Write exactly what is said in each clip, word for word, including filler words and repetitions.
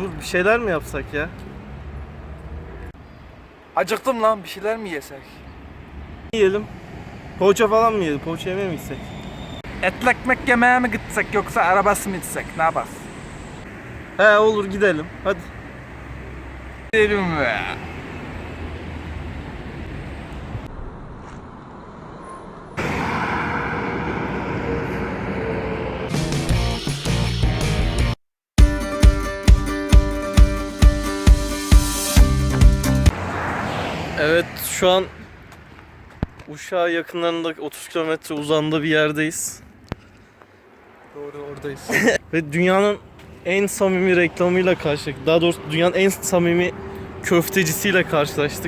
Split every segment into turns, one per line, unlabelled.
Dur bir şeyler mi yapsak ya?
Acıktım lan, bir şeyler mi yesek?
Yiyelim. Poğaça falan mı yiyelim? Poğaça yemeye mi gitsek?
Etli ekmek yemeye mi gitsek yoksa arabası mı gitsek? Ne yaparız?
He olur gidelim. Hadi.
Gidelim be.
Evet şu an Uşak'a yakınlarında otuz kilometre uzağında bir yerdeyiz.
Doğru, oradayız.
Ve dünyanın en samimi reklamıyla karşılaştık. Daha doğrusu dünyanın en samimi köftecisiyle karşılaştık.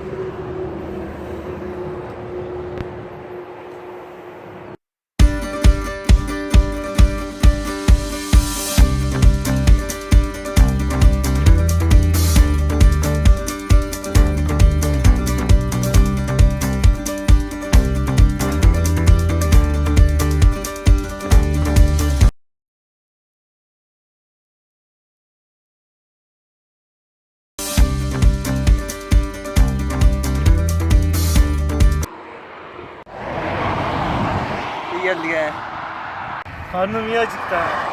İyi geldi ya.
Karnım iyi acıktı ha.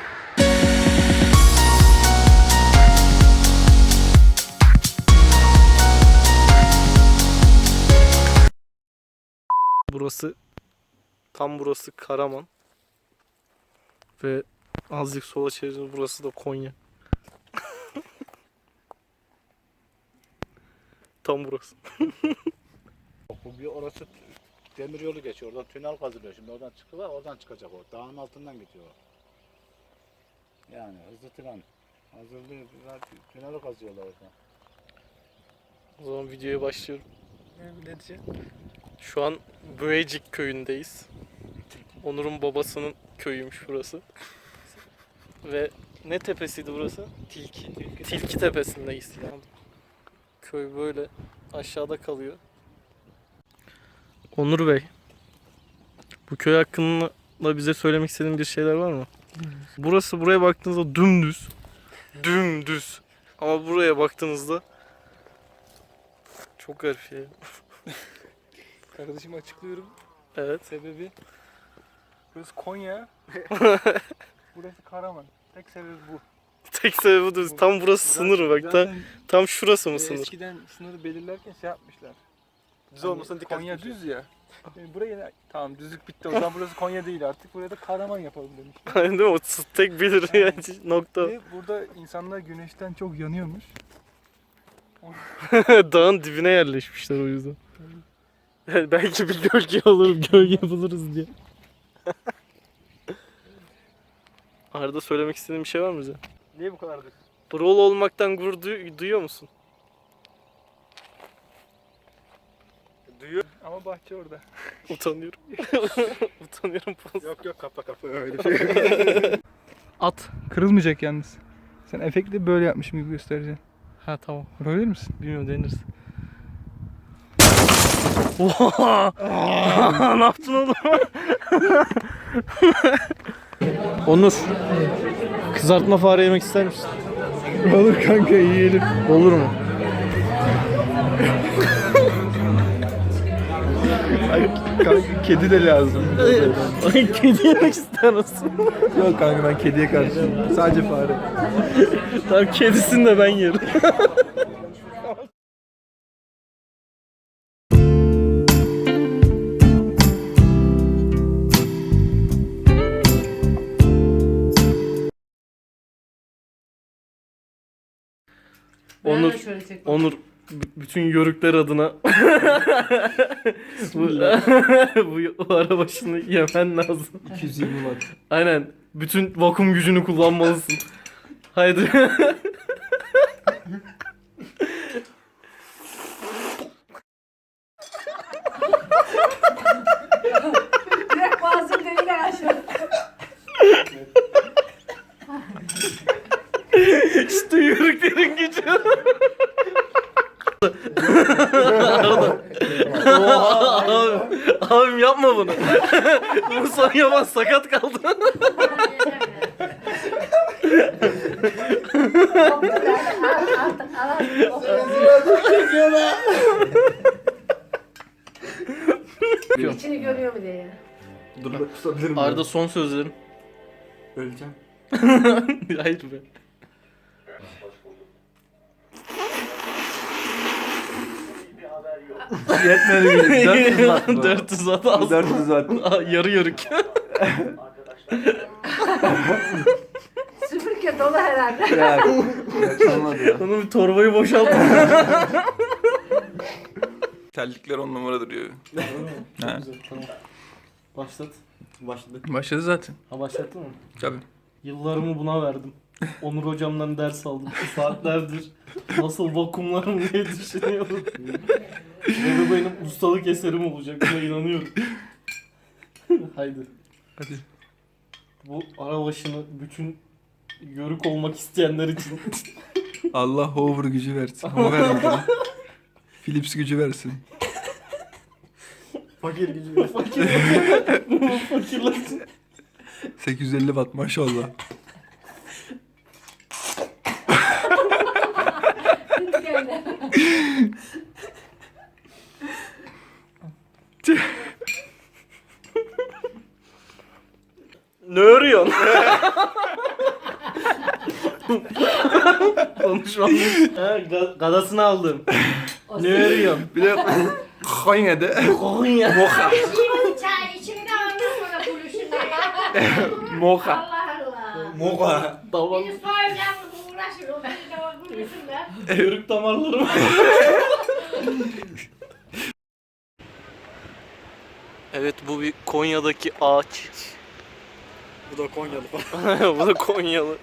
Burası, tam burası Karaman. Ve azıcık sola çevireceğiz, burası da Konya. Tam burası.
Bu bir orası demir yolu geçiyor. Oradan tünel kazılıyor. Şimdi oradan çıkıyorlar, oradan çıkacak o. Dağın altından gidiyor. Yani hızlı tren. Hazırlıyor. Tüneli kazıyorlar oradan.
O zaman videoya başlıyorum.
Ne diyeceğim?
Şu an Böyecik köyündeyiz. Onur'un babasının köyüymüş burası. Ve ne tepesiydi burası? Tilki. Tilki tepesindeyiz. Yani. Köy böyle aşağıda kalıyor. Onur Bey, bu köy hakkında bize söylemek istediğin bir şeyler var mı? Burası, buraya baktığınızda dümdüz. Dümdüz. Ama buraya baktığınızda çok garip şey.
Kardeşim açıklıyorum.
Evet.
Sebebi burası Konya. Burası Karaman. Tek sebebi bu.
Tek sebebi bu. Tam burası sınır bak. Tam,
Zaten
tam şurası mı
e,
sınır?
eskiden sınırı belirlerken şey yapmışlar.
Düz
Hani
olmasına dikkat
Konya
etmişler.
düz ya. Yani buraya tamam düzlük bitti. O zaman burası Konya değil artık. Buraya da Karaman yapalım demişler.
Aynen değil mi? O tek belirleyen nokta.
Ve burada insanlar güneşten çok yanıyormuş.
Dağın dibine yerleşmişler o yüzden. Yani belki bir gölge olur, gölge buluruz diye. Arada söylemek istediğin bir şey var mı bize?
Niye bu kadar düz?
Brol olmaktan gurur duy- duyuyor musun?
Duyuyor. Ama bahçe orada.
Utanıyorum. Utanıyorum.
Yok yok kapa kapa öyle şey.
At. Kırılmayacak yalnız. Sen efekti böyle yapmışım gibi göstereceksin.
Ha tamam.
Yapabilir misin?
Bilmiyorum, deniriz. Oha! Ne yaptın oğlum? Onur. Kızartma fare yemek ister misin?
Olur kanka yiyelim.
Olur mu?
Kanka kedi de lazım.
Ay, kedi yemek ister misin?
Yok kanka ben kediye karşıyım. Sadece fare.
Tamam, kedisini de ben yerim. Onur, Onur b- bütün yörükler adına bu, bu, bu ara başını yemen lazım.
iki yüz yirmi watt.
Aynen. Bütün vakum gücünü kullanmalısın. Haydi.
Direkt bazı deliyle aşağı.
İşte yörüklerin gücü. Abi, abim yapma bunu. Bu son yapan sakat kaldı.
Yok, yani artık alalım. İçini görüyor mu diye.
Dur bak tutabilirim.
Arda son sözlerim.
Öleceğim.
Hayır be.
Yetmedi mi? dört yüz watt bu.
dört yüz watt az.
dört yüz watt.
Aa, yarı yarık.
Süpürge dolu herhalde.
Ya, ya çalmadı ya.
Onun bir torbayı boşalttı.
Terlikler on numara duruyor.
Çok
Ha.
güzel, tamam. Başlat. Başladı.
Başladı zaten.
Ha başlattın mı?
Tabii.
Yıllarımı buna verdim. Onur hocamdan ders aldım. Saatlerdir nasıl vakumlarım diye düşünüyorum. Ve bu benim ustalık eserim olacak. Buna inanıyorum. Haydi.
Hadi.
Bu ara başını bütün yörük olmak isteyenler için.
Allah hover gücü versin. O vermedi. Philips gücü versin.
Fakir gücü. Fakir. Fakirlesin.
sekiz yüz elli watt maşallah.
Öyle.
Ne örüyorsun? Konuşmam. Ha, ga- gadasını aldım. Ne örüyorsun?
Bir de Konya'da
Konya.
mocha.
Şimdi çay içimde ondan sonra buluşun.
Mocha.
Allah Allah.
Moka.
Tamam.
Beni soyacağım uğraşır. O bir de o buluşun da.
Yörük damarlarım. Evet, bu bir Konya'daki ağaç.
Bu da Konyalı falan.
Bu da Konyalı.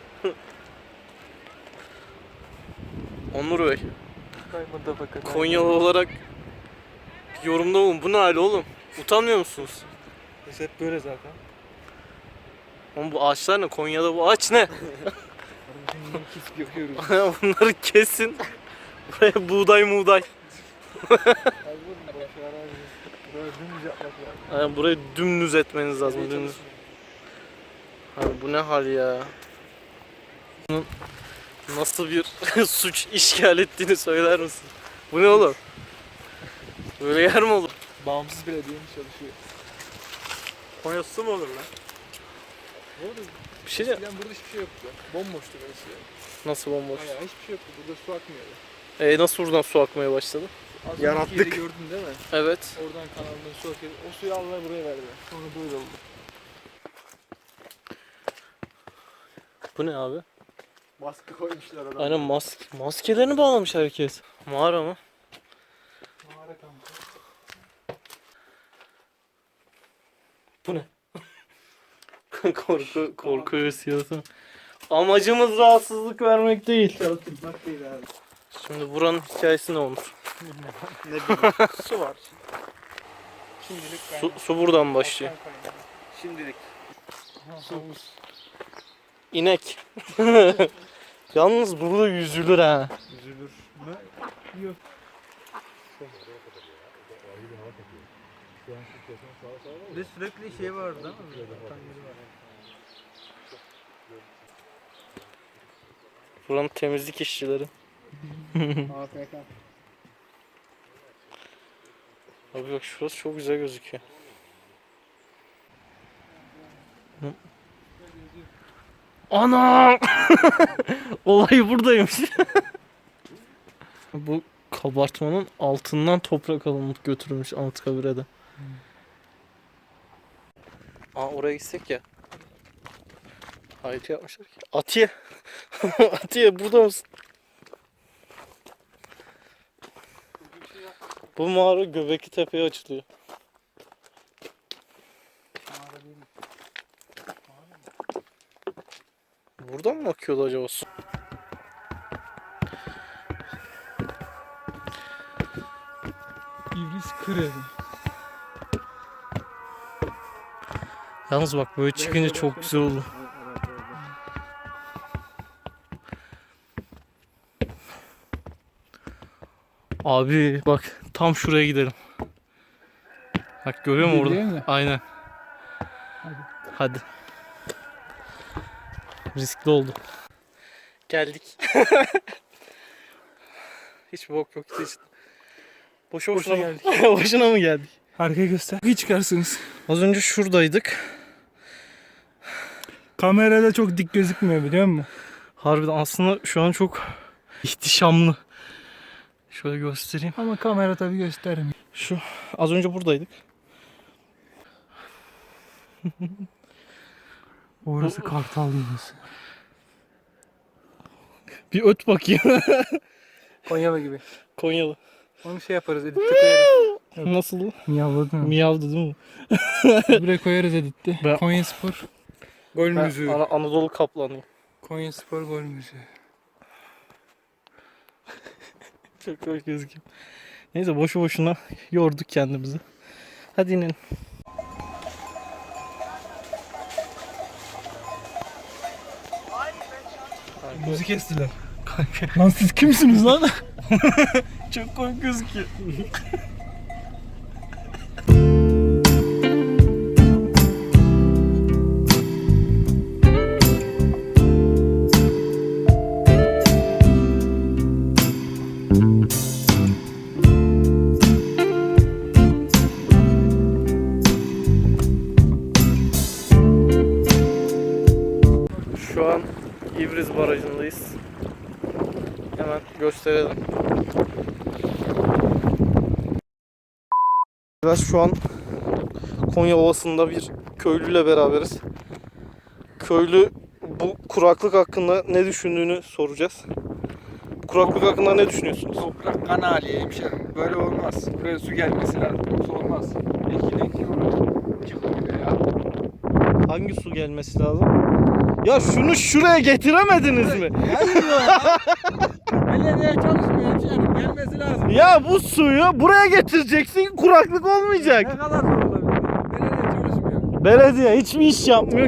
Onur Bey, Konyalı olarak bir yorumda olun. Bu ne hali oğlum? Utanmıyor musunuz?
Biz hep böyle zaten.
Oğlum bu ağaçlar ne? Konya'da bu ağaç ne?
Kesip yapıyoruz.
Bunları kesin. Buraya buğday muğday.
Abi bunu boş ver abi. Böyle dümdüz yapmak lazım.
Yani burayı dümdüz etmeniz lazım. Dümdüz. Abi bu ne hal ya? Bunun nasıl bir suç işgal ettiğini söyler misin? Bu ne oğlum? Böyle yer mi olur?
Bağımsız belediyenin çalışıyor.
Konya su mu olur lan?
Ne oldu?
Bir şey de
Eskiden burada hiçbir şey yoktu. Bomboştu burası ya.
nasıl bomboş?
Hayır hiçbir şey yoktu. Burada su akmıyordu.
E nasıl buradan su akmaya başladı?
Az
Yanattık.
önceki yeri gördün değil mi?
Evet.
Oradan kanaldan su akıyor. O suyu almaya buraya verdiler. Sonra böyle oldu.
Bu ne abi?
Baskı koymuşlar adamlar.
Aynen maske. Maskelerini bağlamış herkes. Mağara mı?
Mağara kampı.
Bu ne? korku, korku hissiyatı. Amacımız rahatsızlık vermek değil.
Çalıştırmak değil abi.
Şimdi buranın hikayesi ne olur?
Ne bileyim. Su var. Şimdilik
Su, su buradan başlıyor.
Şimdilik. Sumuz.
İnek. Yalnız burada yüzülür ha.
Üzülür mü? Yok. Bir de sürekli şey vardı değil mi?
Buranın temizlik işçileri.
A F K.
Abi bak şurası çok güzel gözüküyor. Hı. Ana! Olay buradaymış. Bu kabartmanın altından toprak alınıp götürülmüş Anıtkabir'e de. Aa oraya gitsek ya. Hayır yapmışlar ki. Atiye. Atiye burada mısın? Bu mağara Göbekli Tepe'ye açılıyor. Buradan mı akıyordu acaba su?
İblis kır
Yalnız bak böyle çıkınca çok güzel oldu. Abi bak tam şuraya gidelim. Bak görüyor musun orada?
Gidelim mi?
Aynen. Hadi. Riskli oldu. Geldik. Hiç bok yok hiç. Boşu boşuna,
Boşuna
geldik. Boşuna mı geldik?
Arkaya göster. İyi çıkarsınız.
Az önce şuradaydık.
Kamerada çok dik gözükmüyor biliyor musun?
Harbiden aslında şu an çok ihtişamlı. Şöyle göstereyim.
Ama kamera tabii göstermiyor.
Şu az önce buradaydık.
Orası Kartal Yuvası.
Bir öt bakayım.
Konyalı gibi.
Konyalı.
Onu şey yaparız editte koyarız.
Nasıl?
Miyavladın mı?
Miyavdı değil mi?
Buraya koyarız editte.
Ben-
Konya Spor. Gol
Ben
müziği.
Ana- Anadolu Kaplanıyım.
Konya Spor gol müziği.
Çok hoş gözüküyor. Neyse boşu boşuna yorduk kendimizi. Hadi inelim.
Müzik kestiler. Lan siz kimsiniz lan?
Çok komik gözüküyor. Şu an İvriz Barajı'ndayız. Hemen gösterelim. Biraz şu an Konya Ovası'nda bir köylüyle beraberiz. Köylü bu kuraklık hakkında ne düşündüğünü soracağız. Bu kuraklık hakkında ne düşünüyorsunuz?
Toprak kan hali hemşerim. Böyle olmaz. Buraya su gelmesi lazım. Yoksa olmaz. Ekili ekili çıkmıyor ya.
Hangi su gelmesi lazım? Ya şunu şuraya getiremediniz mi?
Gelmiyor ya. Belediye çalışmıyor hemşerim. Gelmesi lazım.
Ya bu suyu buraya getireceksin, kuraklık olmayacak.
Ne kadar zor olabilir? Belediye çalışmıyor.
Belediye hiçbir iş yapmıyor.